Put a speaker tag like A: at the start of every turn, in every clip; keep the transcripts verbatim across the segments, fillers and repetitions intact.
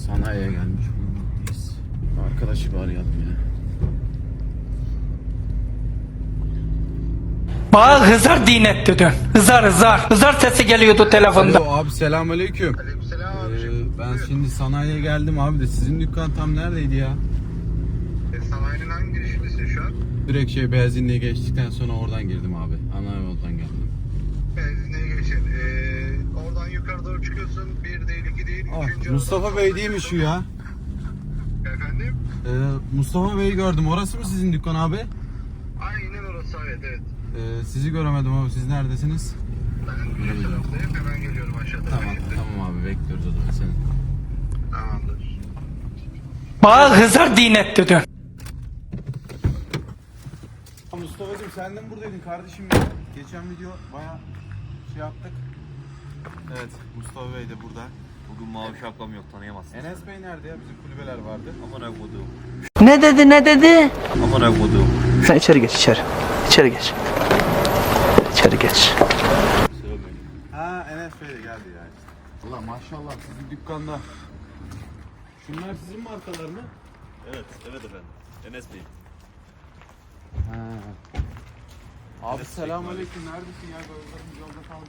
A: Sanayiye gelmiş bulunmaktayız. Arkadaşı bir arayalım ya.
B: Bana hızar dinet dedin. Hızar hızar. Hızar sesi geliyordu telefonda.
A: Alo abi, selamünaleyküm.
C: Aleykümselam
A: Ee,
C: abicim.
A: ben şimdi sanayiye geldim abi de sizin dükkan tam neredeydi ya?
C: E, sanayinin hangi girişindesin şu an?
A: Direkt şey benzinliğe geçtikten sonra oradan girdim abi. Ana yoldan geldim.
C: Benzinliğe geçin. E, oradan yukarı doğru çıkıyorsun. Bir değil, iki değil.
A: Ah,
C: üçüncü
A: Mustafa
C: aradan
A: Bey
C: sola
A: değil mi şu
C: çıkıyorsun.
A: ya?
C: Efendim?
A: Ee, Mustafa Bey'i gördüm. Orası mı sizin dükkan abi?
C: Aynen orası, evet evet.
A: Ee, sizi göremedim abi. Siz neredesiniz?
C: Ben bir taraftayım. Hemen geliyorum aşağıda.
A: Tamam tamam abi, bekliyoruz o zaman seni.
C: Tamamdır.
B: Bana hızar dinet dedin.
A: Mustafa'cığım sen de mi buradaydın kardeşim ya? Geçen video baya şey yaptık. Evet, Mustafa Bey de burada.
D: Bugün mavi şapkam yok, tanıyamazsın.
A: Enes Bey nerede ya? Bizim kulübeler vardı.
D: Aman akmadığım.
E: Ne dedi ne dedi?
D: Aman akmadığım.
E: Sen içeri geç içeri. İçeri geç. İçeri geç.
D: Sıra benim.
A: Ha, Enes Bey de geldi ya işte. Allah maşallah, sizin dükkanda. Şunlar sizin markalar mı?
D: Evet, evet efendim. Enes Bey.
A: Ha. Abi selamünaleyküm. Neredesin ya? Gözlerim yolda kaldı.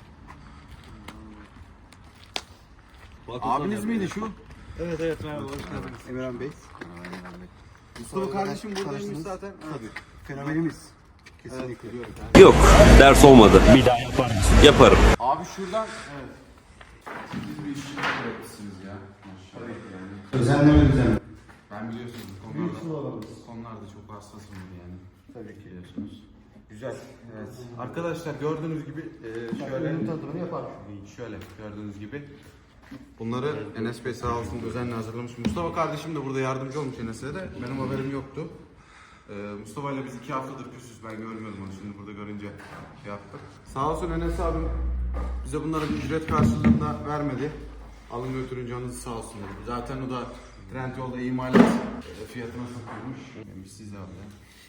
A: Abiniz miydi şu?
D: Evet evet merhaba, hoş geldiniz.
A: Emirhan Bey. Mustafa kardeşim buradaymış zaten. Tabii. Fenomenimiz. Kesinlikle. Evet.
F: Yok, ders olmadı. Bir daha yapar mısın? Yaparım.
A: Abi şuradan, evet. Siz bir işçi yapmışsınız ya. Maşallah yani.
C: Özenleme düzenleme.
A: Ben biliyorsunuz bu konularda, konularda çok hassasımdır yani. Tabii ki biliyorsunuz. Güzel. Evet. Arkadaşlar gördüğünüz gibi e, şöyle
C: Tadımını yapar.
A: şöyle gördüğünüz gibi bunları Enes Bey sağ olsun özenle hazırlamış. Mustafa kardeşim de burada yardımcı olmuş Enes'e de. Benim haberim yoktu. Ee, Mustafa ile biz iki haftadır küsüz. Ben görmüyordum onu, şimdi burada görünce şey yaptık. Sağ olsun Enes abim bize bunları bir ücret karşılığında vermedi. Alın götürün canınızı sağ olsun dedi. Zaten o da Trendyol'da imalat e, fiyatına satıyormuş. Yani siz de abi ya.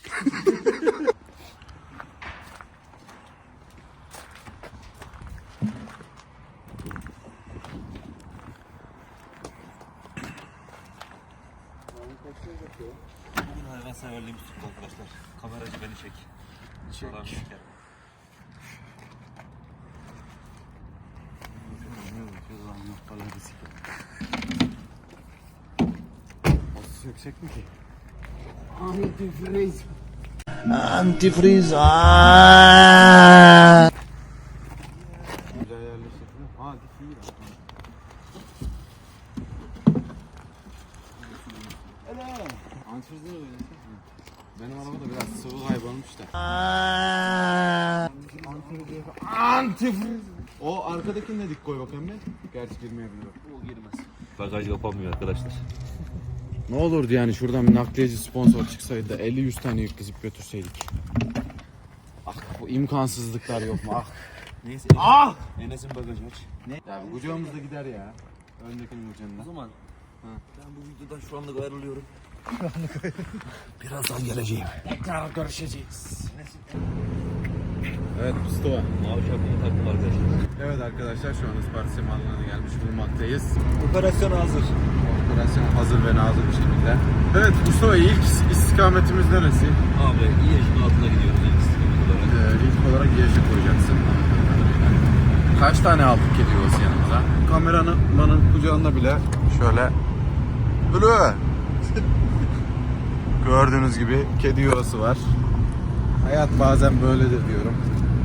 D: Bugün hayvanseverliğimiz tuttu arkadaşlar. Kameracı beni çek. Çek. Çeker.
A: Nasıl yüksek mi ki?
E: Antifriz. Antifriz. Aa.
A: Güzel yerleştirdin. Ha, dik iyi ya. Antifrizini de oynasın. Benim arabada biraz sıvı kaybolmuş da. Antifriz. O arkadakini de dik koy bakayım ben. Gerçi girmeyebilir.
D: O girmez. Bagaj kapanmıyor arkadaşlar.
A: Ne olurdu yani şuradan bir nakliyeci sponsor çıksaydı da elli yüz tane yük dizip götürseydik. Ah, bu imkansızlıklar yok mu? Ah.
D: Neyse.
A: Ah!
D: Enes'in bagajı aç. Ne?
A: Ya bu kucağımız da gider ya. Öndekinin
D: O
A: ucunda.
D: zaman ben bu videodan şu anlık ayrılıyorum. Birazdan geleceğim.
B: Tekrar görüşeceğiz.
A: Evet Mustafa.
D: Mavi şapkamı taktım arkadaşlar.
A: Evet arkadaşlar, şu an Isparta Semalı'na gelmiş bulunmaktayız.
D: Operasyon hazır.
A: Operasyon hazır ve nazır bir şekilde. Evet Mustafa, ilk istikametimiz neresi?
D: Abi iyi yaşın altına gidiyoruz ilk istikamet olarak.
A: Ee, ilk olarak Yeşil koyacaksın. Kaç tane aldık kedi yuvası yanımıza? Kameranın manın kucağında bile şöyle Ulu! Gördüğünüz gibi kedi yuvası var. Hayat bazen böyledir diyorum.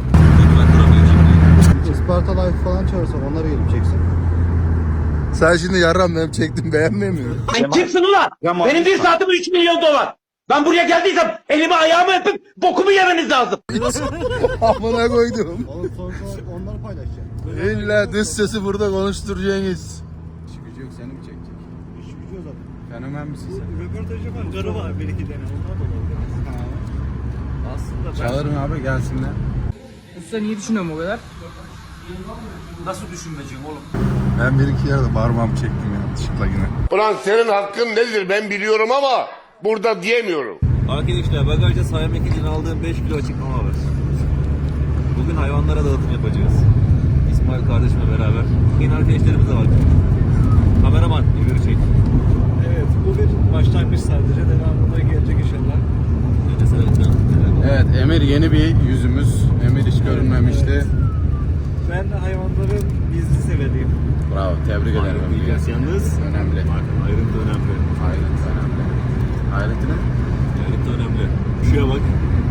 C: Isparta Life falan çağırsan onlar gelip çeksin.
G: Sen şimdi yarram benim çektim, beğenmiyor musun?
H: Sen kimsin ulan? Benim bir saatim üç milyon dolar. Ben buraya geldiysem elimi ayağımı öpüp bokumu yemeniz lazım.
G: Amına koydum.
C: Oğlum sonuçta onları paylaşacaksın.
G: İlla dış sesi burada konuşturacaksınız.
A: İşi gücü yok, seni mi çekecek?
C: İş gücü zaten.
A: Fenomen misin sen?
D: Röportaj yapan karı var bir iki tane. Onlar da olabilir. Aslında ben...
A: Çağırın abi, gelsinler.
B: Sen niye düşünüyorsun o kadar?
D: Nasıl düşünmeyeceğim oğlum?
G: Ben bir iki yerde parmağımı çektim yanlışlıkla yine.
I: Ulan senin hakkın nedir ben biliyorum ama burada diyemiyorum.
D: Arkadaşlar bagajda saymak için aldığım beş kilo açıklama var. Bugün hayvanlara dağıtım yapacağız. İsmail kardeşimle beraber. Yeni arkadaşlarımız da var. Kameraman Kahraman. Emir'i çek.
J: Evet, bu bir başlangıç sadece. Devamında gelecek inşallah.
A: Evet, Emir yeni bir yüzümüz. Emir hiç görünmemişti.
J: Ben hayvanların gizli severiyim.
A: Bravo, tebrik ederim.
D: Diyeceğiz yalnız.
A: Önemli.
D: Bakın ayrıntı önemli.
A: Ayrıntı önemli. Ayrıntı ne?
D: Ayrıntı önemli. Şuraya bak.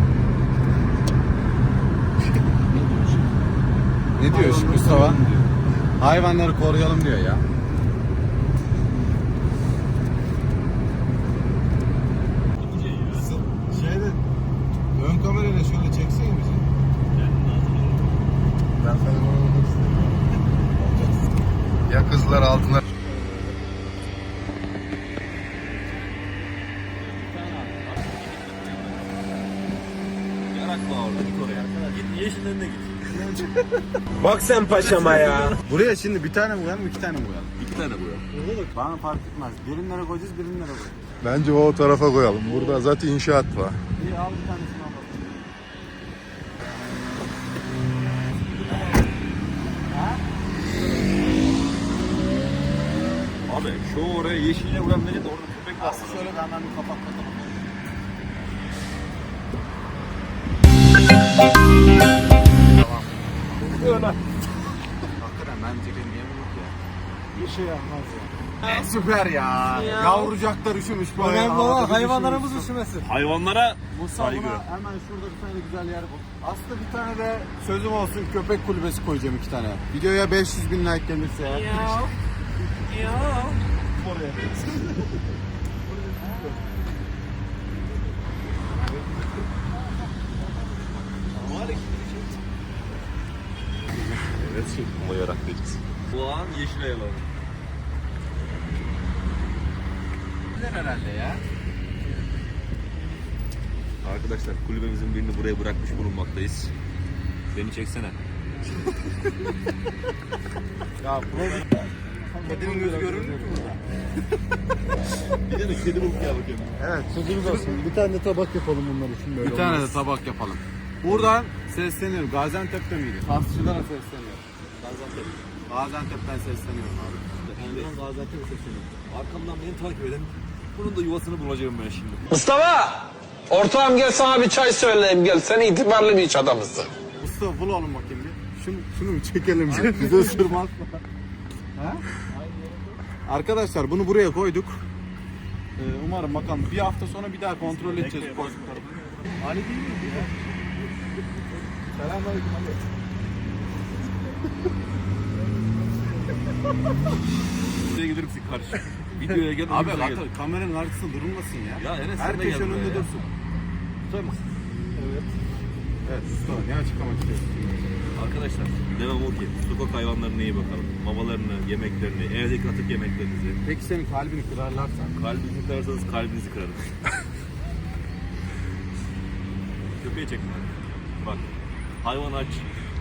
A: Ne diyor şimdi Mustafa? Hayvanları koruyalım diyor ya. Şeyde ön kamerayla şöyle çeksene bizi.
G: Ben sana bunu olmak istedim. Ya kızlar altına.
D: Yarak bağ orada. Git oraya. Git yeşilin önüne git.
H: Bak sen paşama ya.
A: Buraya şimdi bir tane mi koyalım, iki tane mi koyalım?
D: İki tane bu ya.
A: Bana fark etmez. Birimlere koyacağız, birimlere koyacağız.
G: Bence o tarafa koyalım. Burada zaten inşaat var.
A: İyi, al bir tanesini al bakalım.
D: Abi şu oraya yeşille vuran beni de orada köpek var.
A: Aslı şöyle de hemen bir kapak katalım. Tamam. Hakikaten bence benim yemin yok ya.
J: Bir şey yapmaz ya.
A: E, süper ya. Yavrucaklar üşümüş bu
J: Önemli
A: havada
J: olan
A: bir
J: hayvanlarımız
A: üşümüş.
J: üşümesin.
D: Hayvanlara
A: Mustafa
D: saygı.
A: buna hemen şurada bir tane güzel yer bul. Aslında bir tane de sözüm olsun, köpek kulübesi koyacağım iki tane. Videoya beş yüz bin like gelirse ya.
D: Evet şimdi ama yarak diyeceğiz. Bu an yeşil ayalar.
A: Güzel herhalde ya.
D: Arkadaşlar kulübemizin birini buraya bırakmış bulunmaktayız. Beni çeksene.
A: Ya buraya kedinin gözü görünür mü burada?
D: Bir tane kedi bulup gel bakayım.
A: Evet.
G: Sözümüz olsun. Bir tane de tabak yapalım bunlar için böyle.
A: Bir tane de tabak yapalım. Buradan sesleniyorum. Gaziantep'te miydi? Fasçılara sesleniyorum.
D: Gaziantep.
A: Gaziantep'ten sesleniyorum abi.
D: Ben Gaziantep'e sesleniyorum. Arkamdan beni takip edin. Bunun da yuvasını bulacağım ben şimdi.
H: Mustafa! Ortağım gel sana bir çay söyleyeyim gel. Sen itibarlı bir iş adamısın.
A: Mustafa bul oğlum bakayım bir. Şunu, şunu mu çekelim? Bize ısırmaz mı? Ha? Arkadaşlar bunu buraya koyduk. Ee, umarım bakalım bir hafta sonra bir daha kontrol edeceğiz koyduklarımızı. Ali değil miydi ya? Selamünaleyküm Ali.
D: Buraya gelir misin karşı? Videoya gel.
A: Abi
D: önümüze gel.
A: hatta kameranın arkasında durulmasın ya.
D: Ya Enes sen de
A: herkes
D: gel buraya
A: önünde
D: ya.
A: dursun.
D: Tutar mısın?
A: Evet Mustafa ne açıklamak istiyorsun?
D: Arkadaşlar devam o ki sokak hayvanlarına iyi bakalım. Mamalarını, yemeklerini, evdeki atık yemeklerinizi.
A: Peki senin kalbini kırarlarsa?
D: Kalbinizi kırarsanız kalbinizi kırarım. Köpeği çekme. Bak. Hayvan aç.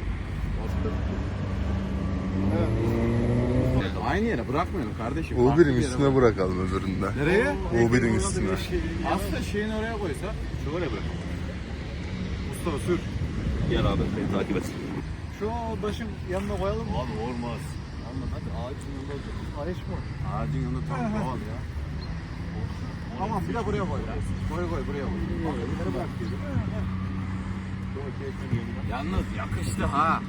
A: Aynı yere bırakmayalım kardeşim.
G: U
A: Farklı
G: birin
A: bir yere
G: üstüne bırakalım öbüründe.
A: Nereye?
G: U birin üstüne.
A: Aslında şeyin oraya koysa.
D: Şöyle bırak.
A: Mustafa sür.
D: Gel abi beni takip et.
J: Şu taşın yanına koyalım mı?
D: Abi olmaz. Anladın hadi ağacın yanında olacak.
J: Ayış mı?
A: Ağacın yanında tam doğal ya. Tamam bir de buraya koy ya. Koy koy buraya koy. Bunları bırak diyelim. Yalnız yakıştı ha.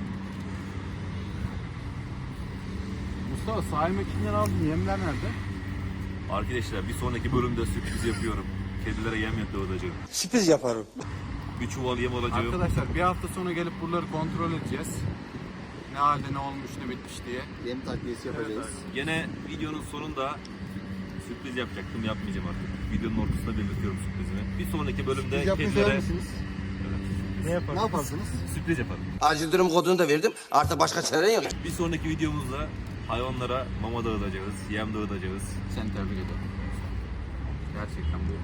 A: Mustafa sahil mekinden aldın yemler nerede?
D: Arkadaşlar bir sonraki bölümde sürpriz yapıyorum. Kedilere yem dağıtacağım.
H: Sürpriz yaparım.
D: Bir çuval yem alacağım.
A: Arkadaşlar bir hafta sonra gelip buraları kontrol edeceğiz. Ne halde ne olmuş ne bitmiş diye.
G: Yem takviyesi yapacağız.
D: Gene videonun sonunda sürpriz yapacaktım, yapmayacağım artık. Videonun ortasında belirtiyorum sürprizimi. Bir sonraki bölümde kedilere
J: Ne yaparsın?
G: Ne yaparsınız?
D: sürpriz yaparım.
H: Acil durum kodunu da verdim. Artık başka çare yok.
D: Bir sonraki videomuzda hayvanlara mama dağıtacağız, yem dağıtacağız.
A: Seni tebrik ederim. Gerçekten bu.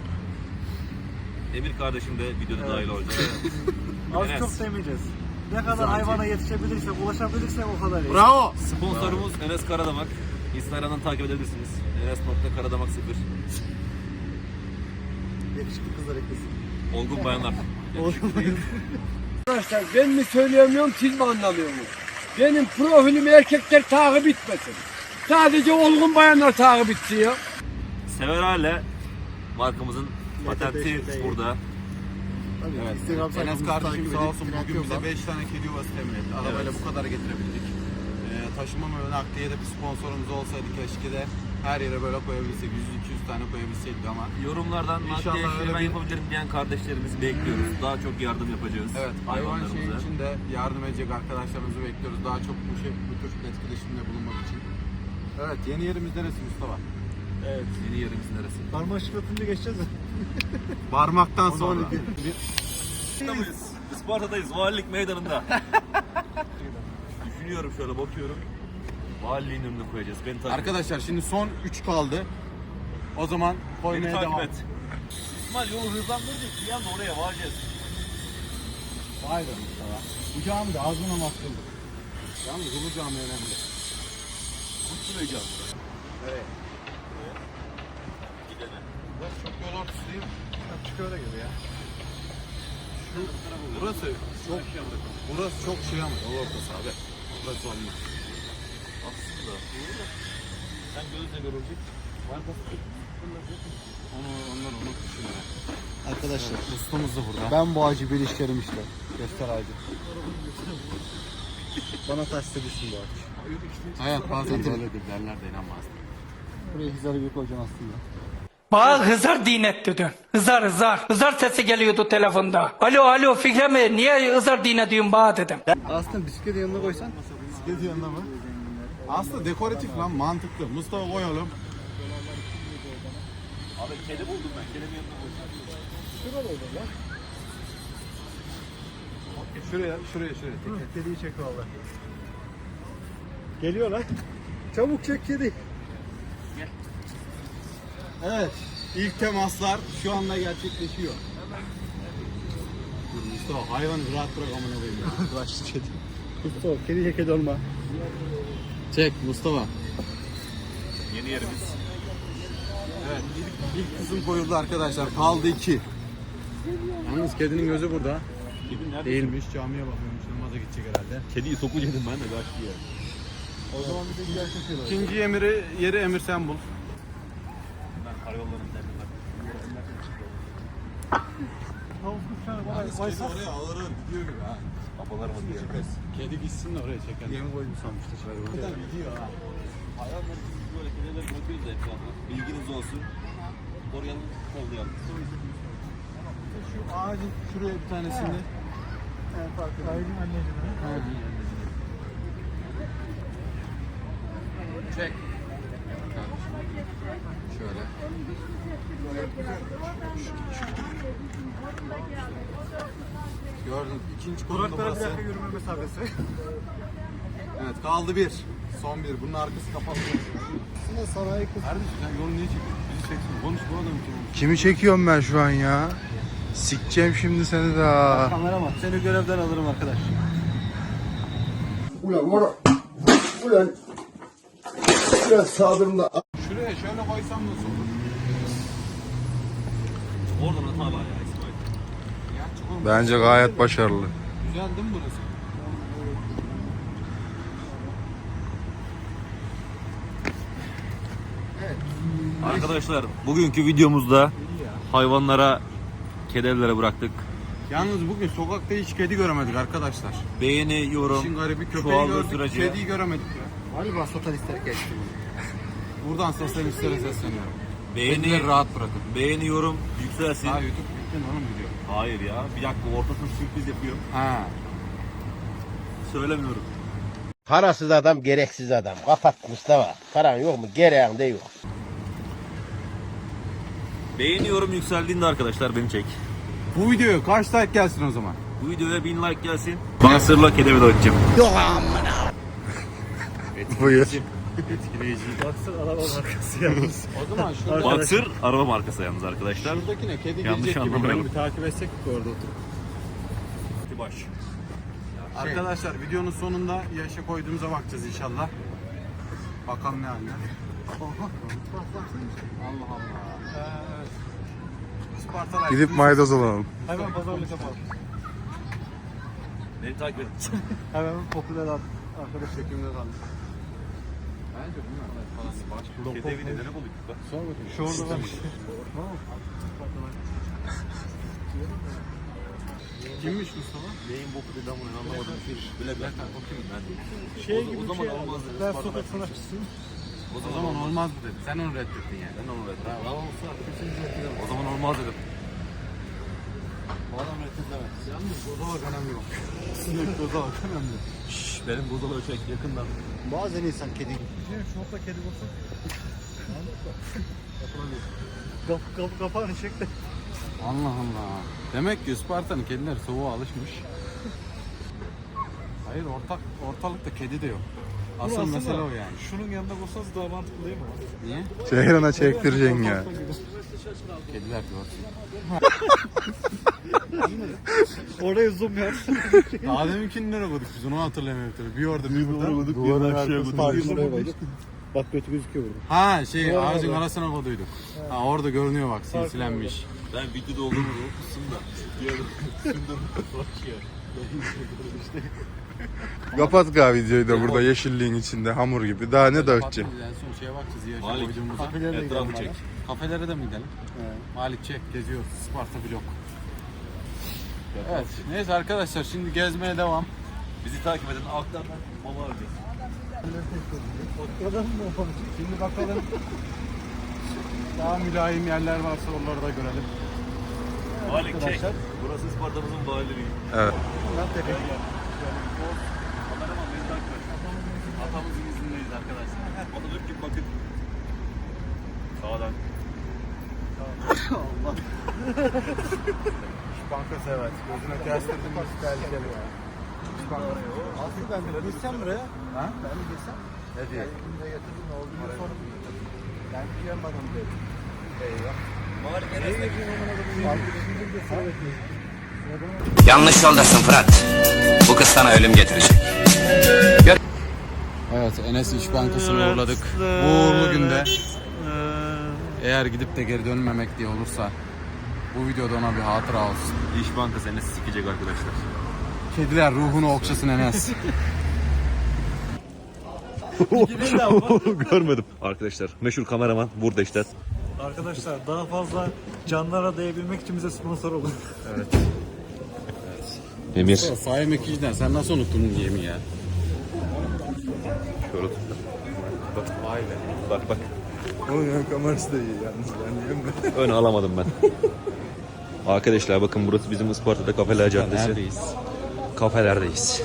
D: Emir kardeşim de videoda dahil olacak.
J: Az
D: Enes.
J: çok demeyeceğiz. Ne kadar hayvana yetişebilirsek, ulaşabilirsek o kadar iyi.
A: Bravo.
D: Sponsorumuz Enes Karadamak. Instagram'dan takip edebilirsiniz. enes nokta karadamak sıfır.
J: Yakışıklı kızlar eklesin.
D: Olgun bayanlar.
H: Arkadaşlar ben mi söyleyemiyorum siz mi anlamıyorsunuz? Benim profilimi erkekler takip etmesin. Sadece olgun bayanlar takip istiyor.
D: Severale markamızın patenti burada.
A: Evet. Enes kardeşim sağ olsun bugün bize beş tane kedi yuvası temin etti. Arabayla bu kadar getirebildik. Ee, taşıma ve nakliye de bir sponsorumuz olsaydı keşke de her yere böyle koyabilsek. yüz iki yüz tane koyabilseydik ama.
D: Yorumlardan
A: İnşallah
D: nakliye
A: öyle
D: şey ben
A: bir-
D: yapabilirim diyen kardeşlerimizi bekliyoruz. Daha çok yardım yapacağız.
A: Evet, hayvan şey
D: hayvanlarımıza.
A: için de yardım edecek arkadaşlarımızı bekliyoruz. Daha çok bu, şey, bu tür etkileşimde bulunmak için. Evet, yeni yerimiz neresi Mustafa?
D: Evet. Yeni yerimiz neresi?
J: Parmak şıklatınca geçeceğiz mi?
A: Parmaktan sonra.
D: Isparta'dayız. Isparta'dayız. Valilik meydanında. Düşünüyorum şöyle bakıyorum. Valiliğin önüne koyacağız. Beni takip et.
A: Arkadaşlar şimdi son üç kaldı. O zaman
D: Beni
A: koymaya
D: takip
A: devam.
D: et. İsmail yolu hızlandıracak. Bir anda oraya varacağız.
A: Vay be Mustafa. Bu cami de ağzına namaz kıldık. Yalnız bu cami önemli.
D: Kurtulayacağız.
A: Evet. Burası çok yol ortası değil mi?
J: Çık öyle gibi ya.
A: Şu, burası çok burası çok şey ama yol ortası abi. Burası olmaz.
D: Aslında. Sen gözle görülecek.
A: Onu onlar onu düşünüyor.
G: Arkadaşlar
A: Ustamız da burada.
G: ben bu ağacı birleştirim işte. Göster ağacı. Bana taş düşsün bu ağaç.
A: Hayat bazen böyledir derler de inanmaz.
G: Buraya hizarı bir koyacaksın aslında.
B: Bana Hızar dinet dedin. Hızar Hızar. Hızar sesi geliyordu telefonda. Alo alo Fikri mi? Niye Hızar dinet diyorsun bana dedim.
G: Aslında bisikleti yanına koysan.
A: Bisiklet yanında mı? Aslında dekoratif lan mantıklı. Mustafa koyalım.
D: Abi kedi buldum ben. Kedi yanına koyacağım.
A: Şuraya şuraya şuraya.
J: Kediyi çek valla. Geliyor lan. Çabuk çek kedi.
A: Evet. İlk temaslar şu anda gerçekleşiyor. Dur Mustafa hayvanı rahat bırak amına koyayım ya.
G: Başlı kedi.
J: Mustafa kediye kedi olma.
A: Çek Mustafa.
D: Yeni yerimiz.
A: Evet ilk, ilk kısım koyuldu arkadaşlar. Kaldı iki. Yalnız kedinin gözü burada.
D: Kedi nerede?
A: Değilmiş camiye bakıyormuş. Namaza gidecek herhalde.
D: Kediyi sokacaktım ben de kaçtı ya.
J: O zaman bir de güzel çekiyorlar.
A: İkinci emiri yeri emir sen bul.
D: Ben karayollarının terbinden.
J: Tavuk kuşlarına bana
A: Kedi
J: baysak.
A: oraya alırım gidiyor gibi ha.
D: Babalar mı diye.
A: Kedi gitsin de oraya çeker.
G: Yemi koydum sanmıştır.
A: Kadar gidiyor ha.
D: Hayvanları biz böyle kedileri bırakıyoruz da etrafına. Bilginiz olsun. Koruyalım, kollayalım.
A: Şu ağacın şuraya bir tanesini.
J: Evet farklı. Kaygın anneciğim.
A: Çek. Şöyle. Gördün. İkinci konumda
J: Duraklara bir
A: burası.
J: dakika yürüme mesafesi.
A: Evet kaldı bir. Son bir. Bunun arkası kapalı.
G: Aslında sanayi kız.
A: Kardeşim sen yolu niye çekiyorsun? Bizi çeksin. Konuş bu adamın için.
G: Kimi çekiyorum ben şu an ya? Sikeceğim şimdi seni de.
J: Kameraman seni görevden alırım arkadaş.
I: Ulan ulan. Ulan. Biraz sağdırımda.
A: Şuraya şöyle koysam nasıl olur?
D: Oradan hata var ya İsmail.
A: Gerçi oğlum,
G: Bence gayet başarılı.
A: güzel değil mi burası?
D: Arkadaşlar bugünkü videomuzda hayvanlara, kedilerle bıraktık.
A: Yalnız bugün sokakta hiç kedi göremedik arkadaşlar.
D: Beğeni, yorum,
A: İşin garibi köpeği
D: çoğaldığı
A: gördük,
D: sürece
A: kediyi göremedik ya.
G: Galiba satanistler geçti.
A: Buradan sosyalistlere sesleniyorum.
D: beğeni,
A: Kedileri rahat bırakın.
D: beğeni, yorum yükselsin.
A: Ha YouTube bittin oğlum video.
D: Hayır ya, bir dakika ortasına sürpriz yapıyorum.
A: Ha.
D: Söylemiyorum.
I: Parasız adam gereksiz adam. Kapat Mustafa. Paran yok mu? Gereğin de yok.
D: Beğeni, yorum yükseldiğinde arkadaşlar beni çek.
A: Bu videoya kaç like gelsin o zaman?
D: Bu videoya bin like gelsin. Bana sırla kedi video atacağım.
G: Buyur.
A: Etkileyici.
J: Baksın araba markası yalnız.
A: O zaman şurada,
D: Boxer araba markası yalnız arkadaşlar.
A: şuradakine kedi
D: Yanlış
A: gelecek gibi.
D: anlamayalım.
J: Bir takip etsek mi orada oturup?
D: Baş.
A: Arkadaşlar videonun sonunda yaşa koyduğumuza bakacağız inşallah. Bakalım ne halde. Allah Allah. Evet. Isparta
G: Gidip maydanoz alalım.
J: Hemen pazarlık yapalım.
D: Beni takip et.
J: Hemen popüler arkadaş.
A: çekimde kaldı. Bence bunlar parası var.
D: Kedi evi nedeni bulduk bak.
J: Şu orada var.
A: Kimmiş Mustafa?
D: Neyin boku dedi ama anlamadım. Bile ben bakayım ben.
J: Şey
D: O-
J: gibi
D: o
J: bir
D: zaman
J: şey.
D: olmaz dedi.
J: Ben
D: Isparta
J: sokak
D: başkanı.
J: sanatçısıyım.
A: O zaman olmaz mı dedi. Sen onu reddettin yani.
D: Ben onu verdim. Ha, olsa kesin o zaman olmaz dedim.
A: Bu adam reddedilemez. Yalnız bozala kanem yok. Sinek bozala kanem yok.
D: Şşş, benim bozalı çek yakından.
I: Bazen insan kedi
J: Şey, şortla kedi bulsa. Kapı kapı kapağını çek de.
A: Allah Allah. Demek ki Isparta'nın kedileri soğuğa alışmış. Hayır ortak ortalıkta kedi de yok. Asıl
J: Aslında
A: mesele o yani.
J: Şunun yanında bulsanız daha mantıklı değil mi?
A: Niye?
G: Ceyran'a çektireceksin ya.
A: Kediler görsün.
J: Oraya zoom yap.
A: Daha deminkini nereye koyduk biz onu hatırlamıyorum tabii. Bir orada bir burada.
G: Duvarın arkasına bak.
I: Bak kötü gözüküyor burada.
A: Ha şey ağacın arasına koyduyduk. Ha orada görünüyor bak silsilenmiş.
D: Ben videoda olduğumu unutmuşsun da. Diyorum. Sündüm. Bakıyor.
G: Kapat ka videoyu da burada yeşilliğin içinde hamur gibi. Daha ne dağıtacaksın?
A: En son şeye bakacağız ya.
D: Malik.
A: Koyduğumuza.
D: Etrafı çek.
A: Kafelere de mi gidelim? Malik çek geziyoruz. Sparta vlog. Evet. Neyse arkadaşlar şimdi gezmeye devam.
D: Bizi takip edin. Alttan mama alacağız.
A: Şimdi bakalım. Daha mülayim yerler varsa onları da görelim.
D: Malik çek. Burası Isparta'mızın valiliği.
G: Evet.
D: Kameraman beni takip et. Atamızın izindeyiz arkadaşlar. Atatürk gibi bakın. Sağdan.
A: Allah. İş Bankası evet. Gözüne kestirdim mi tehlikeli ya. İş Bankası.
I: Aslında ben de girsem buraya.
A: Ha?
I: Ben de girsem.
A: Ne diye?
I: Elimde getirdim ne oldu diye sordum. Ben duyamadım dedi.
A: Eyvah.
K: Yanlış yoldasın Fırat. Bu kız sana ölüm getirecek.
A: Evet Enes İş Bankası'nı uğurladık. Bu uğurlu günde eğer gidip de geri dönmemek diye olursa bu videoda ona bir hatıra olsun.
D: İş Bankası Enes'i sikecek arkadaşlar.
A: Kediler ruhunu okşasın Enes.
D: Görmedim. Arkadaşlar meşhur kameraman burada işte.
J: Arkadaşlar daha fazla canlara değebilmek için bize sponsor olun.
D: Emir.
A: Fahir Mekici'den sen nasıl unuttun bu yemi ya?
D: Şöyle tut.
A: Vay be.
D: Bak bak.
G: Onun kamerası da iyi yalnız. Ben
D: Ön alamadım ben. Arkadaşlar bakın burası bizim Isparta'da Kafeler Caddesi.
A: Neredeyiz?
D: Kafelerdeyiz.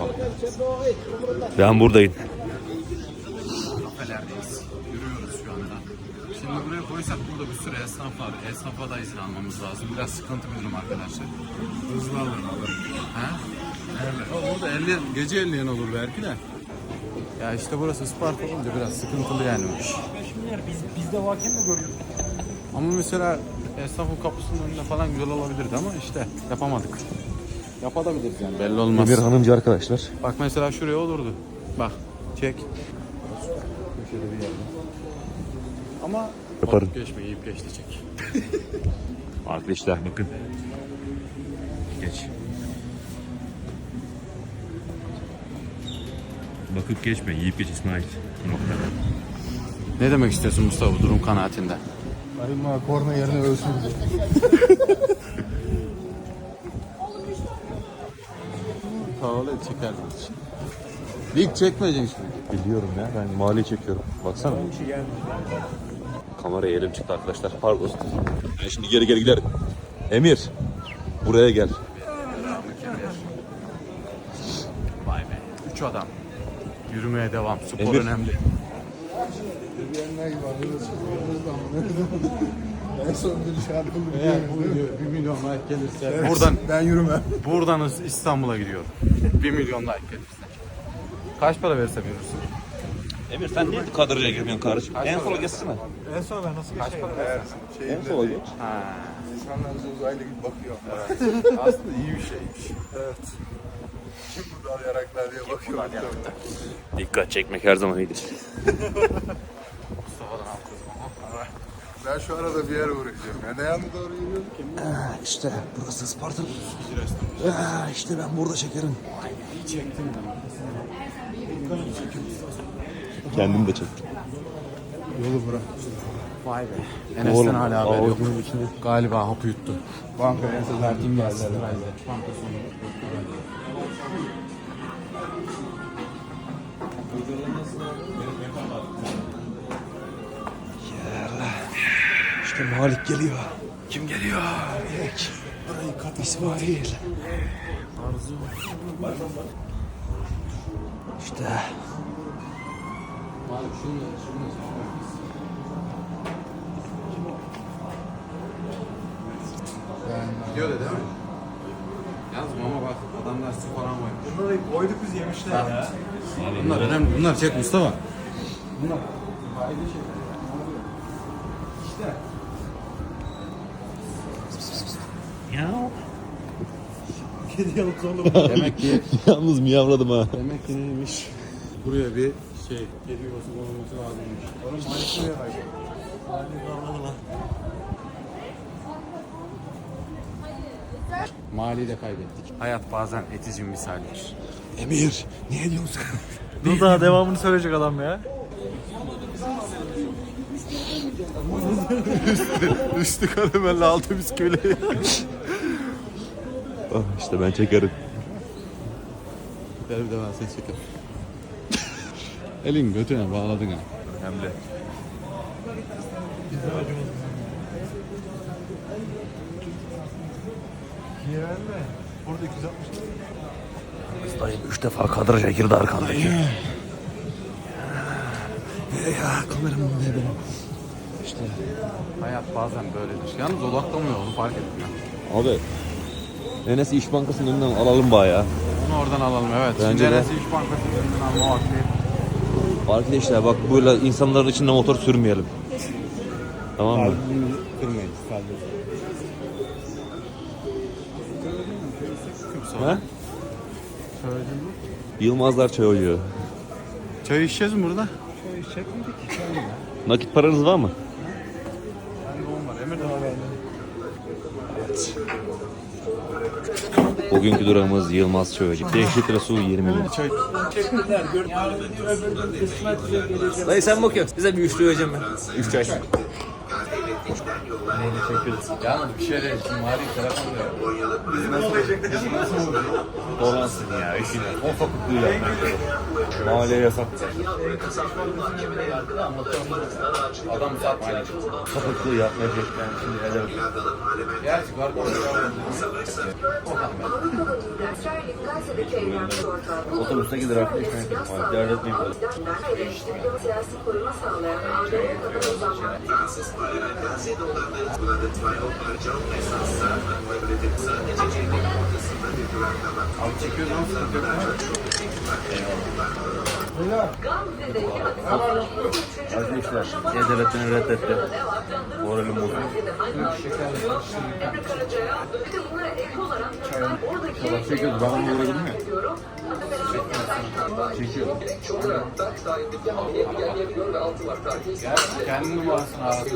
D: Ben buradayım.
A: Kafelerdeyiz. Yürüyoruz şu anda. Şimdi buraya koysak burada bir sürü esnaf var. Esnafa da izin almamız lazım. Biraz sıkıntı bir durum arkadaşlar. Hızlı alırım alırım. Ha? Evet. Orada elli, gece elleyen olur belki de. Ya işte burası Isparta olunca biraz sıkıntılı yani o iş.
J: Biz, biz de varken de görüyoruz.
A: Ama mesela esnafın kapısının önünde falan güzel olabilirdi ama işte yapamadık. Yapabiliriz yani belli olmaz.
D: Emir hanımcı arkadaşlar.
A: Bak mesela şuraya olurdu. Bak çek. Köşede bir yerde. Ama
D: Yaparım.
A: bakıp geçme yiyip geçti çek.
D: Arkadaşlar bakın. Geç. Bakıp geçme, yiyip geç İsmail. Nokta.
A: Ne demek istiyorsun Mustafa bu durum kanaatinde?
G: Ayma korna yerine ölsün diye.
A: Havalı çekerdim. Lig çekmeyeceksin şimdi.
D: Biliyorum ya, ben mali çekiyorum. Baksana. Kameraya elim çıktı arkadaşlar, pardon. Ben şimdi geri geri giderim. Emir, buraya gel.
A: Vay be. Üç adam. Yürümeye devam. Spor
D: Emir.
A: önemli.
G: En son bir şarkılı
A: Eğer bu video bir milyon like gelirse buradan
G: ben yürümem.
A: buradan İstanbul'a gidiyorum. Bir milyon like gelirse. Kaç para verse verirsin?
D: Emir sen niye kadroya girmiyorsun kardeşim? En sola geçsene.
J: En son ben nasıl geçeyim?
D: En sola geç.
A: Ha.
G: İnsanlar bize uzaylı gibi bakıyor.
A: Aslında iyi bir şeymiş.
G: Evet. Kim burada arayaraklar diye bakıyorlar.
D: Dikkat çekmek her zaman iyidir.
A: Mustafa'dan alacağız ama.
G: Ben şu arada bir yere uğrayacağım. Yani ne yanına doğru yürüyorum ki?
D: İşte burası Isparta. İşte ben burada çekerim.
A: İyi çektin mi?
F: Kendim de çek.
A: Yolu bırak. Vay be. Enes'ten hala haber yok. Galiba hapı yuttu. Banka Enes'e verdiğim geldi. Banka sonu.
J: İşte Malik geliyor. Kim geliyor? Ek. Burayı kat İsmail. Arzu. İşte.
A: Gidiyor da değil mi? Yalnız mama bak adamlar su falan koymuş.
J: Bunları koyduk biz yemişler ya.
A: Bunlar önemli. Bunlar çek Mustafa. Bunlar. İşte.
J: Kedi yalıp zorla.
A: Demek ki
F: Yalnız miyavladım ha.
A: demek ki neymiş? Buraya bir şey kedi yuvası olması lazımmış.
J: Oğlum Malik buraya bak. Malik kavradı lan.
A: Mali'yi de kaybettik. Hayat bazen etici misaldir.
J: Emir, niye diyorsun sen? Dur daha devamını söyleyecek adam ya.
A: Üstü karamelli altı bisküvili.
F: Oh, işte ben çekerim.
A: Ver bir de ben seni çekerim. Elin götüne bağladın ha.
F: Önemli.
J: Niye verme? Burada iki yüz altmış.
E: Dayım üç defa kadraja girdi arkandaki.
J: Ya kameramın ne benim?
A: İşte hayat bazen böyledir. Yalnız odaklamıyor onu fark ettim ya.
F: Abi Enes İş Bankası'nın önünden alalım bayağı.
A: Onu oradan alalım evet.
F: Bence
A: Şimdi
F: de.
A: Enes'i İş Bankası'nın önünden alma vakti.
F: Arkadaşlar bak böyle insanların içinde motor sürmeyelim. Tamam mı?
A: Kırmayın. Kalbim.
F: He? Yılmazlar çay oluyor.
A: Çay içeceğiz mi burada?
F: Nakit paranız var mı? Bugünkü durağımız Yılmaz Çaycı. beş litre su yirmi milyon.
K: Dayı sen bakıyorsun. Bize bir üçlü vereceğim ben. Üç çay.
A: Yalnız bir şey değil. Şimdi Mali telefon diyor. Biz nasıl nasıl olacak?
F: Dolansın ya işine. O fakutluğu yapmak. Mahalleye yasak.
A: Adam satmayacak.
F: Fakutluğu yapmayacak. Ben şimdi ederim.
A: Gerçi var mı?
F: Otobüste gider arkadaşlar. Dert etmeyin.
L: Siyasi koruma sağlayan Ankara'ya kadar uzanmak.
A: Abi çekiyoruz ama sıkıntı yok.
F: Arkadaşlar E-Devlet'ini reddetti. Moralim bozuldu.
A: Çekiyoruz. Ben onu uğradım ya. Çekiyorum. Kendi numarasını aradım.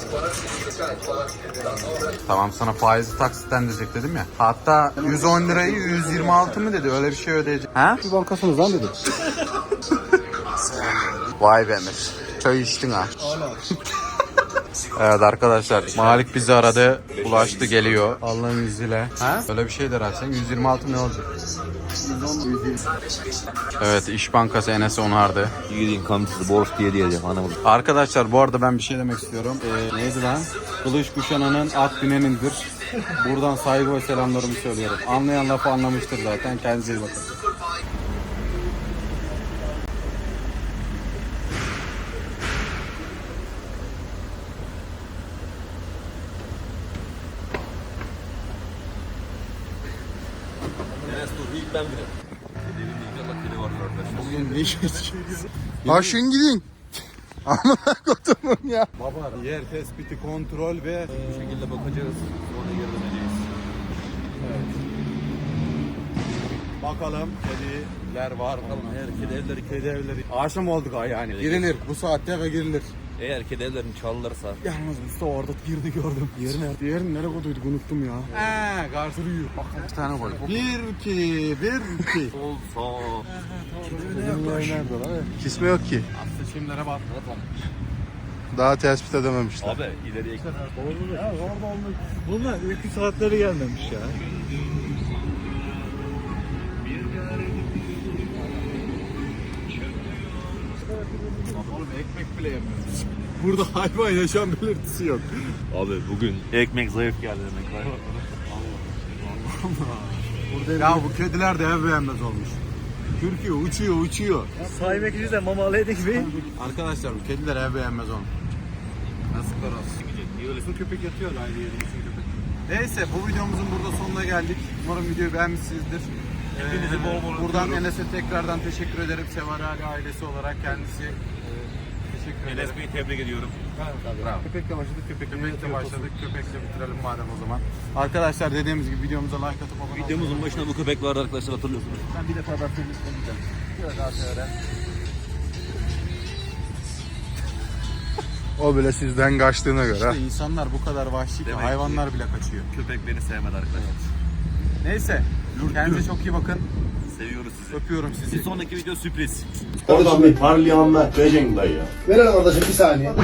A: Tamam sana faizi taksitten diyecek dedim ya. Hatta yüz on lirayı yüz yirmi altı mı dedi öyle bir şey ödeyecek. Ha? Bir bankasınız lan dedim. Vay be Emir. Çay içtin ha. Evet arkadaşlar Malik bizi aradı. Ulaştı geliyor. Allah'ın izniyle. Ha? Öyle bir şey der sen. yüz yirmi altı ne olacak? Evet İş Bankası Enes'i onardı.
F: Yiğidin kamçısı borç diye diyeceğim anlamadım.
A: Arkadaşlar bu arada ben bir şey demek istiyorum. Ee, neydi lan? Kılıç kuşananın at binenindir. Buradan saygı ve selamlarımı söylüyorum. Anlayan lafı anlamıştır zaten. Kendinize iyi bakın.
D: Enes dur ilk ben binerim. Kedi inşallah kedi vardır arkadaşlar.
A: Bugün ne işimiz? Aşın gidin. Amına kodumun ya. Baba yer tespiti, kontrol ve
D: Bu şekilde bakacağız. Sonra geri döneceğiz.
A: bakalım kediler var mı? Her kedi evleri, kedi evleri. Akşam olduk ha yani. Girilir bu saatte ve girilir.
F: Eğer kedi evlerini çalırlarsa.
J: Yalnız Mustafa orada birini gördüm. Diğeri nerede? Diğerini nereye koyduyduk unuttum ya.
A: Eee garson uyuyor. Bak bir tane koy. Bir iki, bir iki.
F: Sol sağ.
G: Nerede lan? Kisme yok ki.
A: Aslında şimdilere bak.
G: Daha tespit edememişler.
F: Abi ileriye
J: Bunlar uyku saatleri gelmemiş ya.
A: Oğlum ekmek bile yemiyoruz. Burada hayvan yaşam belirtisi yok.
F: Abi bugün ekmek zayıf geldi demek var.
A: Ya bu kediler de ev beğenmez olmuş. Türkiye uçuyor uçuyor.
J: Sahibi ekici de mamalaydı gibi.
A: Arkadaşlar bu kediler ev beğenmez olmuş. Yazıklar olsun. Bu köpek yatıyor aynı yerin için köpek. Neyse bu videomuzun burada sonuna geldik. Umarım videoyu beğenmişsinizdir.
F: Hepinizi
A: Ee,
F: bol bol
A: buradan
F: öpüyorum.
A: Enes'e tekrardan teşekkür ederim. Sevar Ali ailesi olarak kendisi e, teşekkür ederim.
F: Enes Bey'i tebrik ediyorum.
A: Bravo. Köpekle başladık, köpekle, köpekle başladık. Köpekle bitirelim madem o zaman. Arkadaşlar dediğimiz gibi videomuza like atıp abone olmayı.
F: Videomuzun başında bu köpek vardı arkadaşlar, hatırlıyorsunuz.
A: Ben bir defa daha temizlemeyeceğim. Şöyle daha şöyle.
G: O bile sizden kaçtığına göre.
A: İşte insanlar bu kadar vahşi ki
F: Demek
A: hayvanlar
F: ki-
A: bile kaçıyor.
F: Köpek beni sevmedi arkadaşlar.
A: Neyse. Kendinize çok iyi bakın.
F: Seviyoruz sizi.
A: Öpüyorum
F: Bir
A: sizi.
F: sonraki video sürpriz.
I: Oradan bir parlayanlar vereceksin dayı ya. Verelim kardeşim bir saniye.